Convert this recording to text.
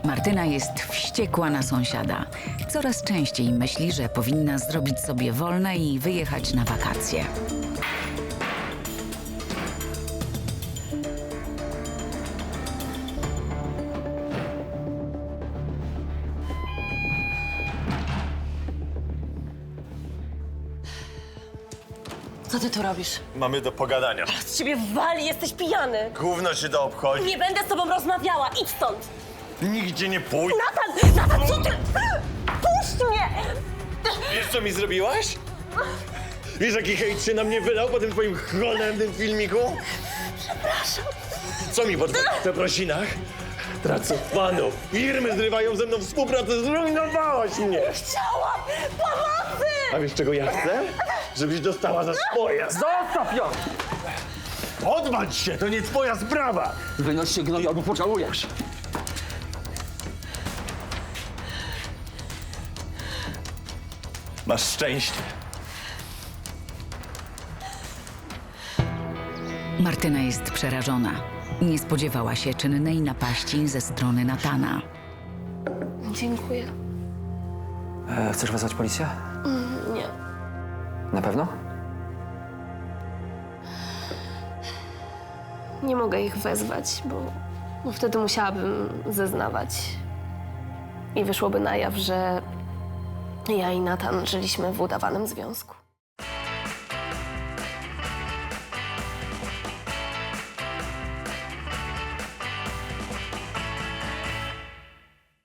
Martyna jest wściekła na sąsiada. Coraz częściej myśli, że powinna zrobić sobie wolne i wyjechać na wakacje. Co ty tu robisz? Mamy do pogadania. Z ciebie wali, jesteś pijany. Gówno się to obchodzi. Nie będę z tobą rozmawiała, idź stąd. Nigdzie nie pójdę. Natan, co ty? Puść mnie! Wiesz, co mi zrobiłaś? Wiesz, jaki hejt się na mnie wylał po tym twoim cholernym filmiku? Przepraszam. Co mi po przeprosinach? Tracę fanów. Firmy zrywają ze mną współpracę. Zrujnowałaś mnie. Chciałam pomocy! A wiesz, czego ja chcę? Żebyś dostała za swoje. Zostaw ją! Odbacz się, to nie twoja sprawa. Wynoś się, gnoju, albo pożałujesz. Masz szczęście. Martyna jest przerażona. Nie spodziewała się czynnej napaści ze strony Natana. Dziękuję. Chcesz wezwać policję? Nie. Na pewno? Nie mogę ich wezwać, bo wtedy musiałabym zeznawać. I wyszłoby na jaw, że ja i Natan żyliśmy w udawanym związku.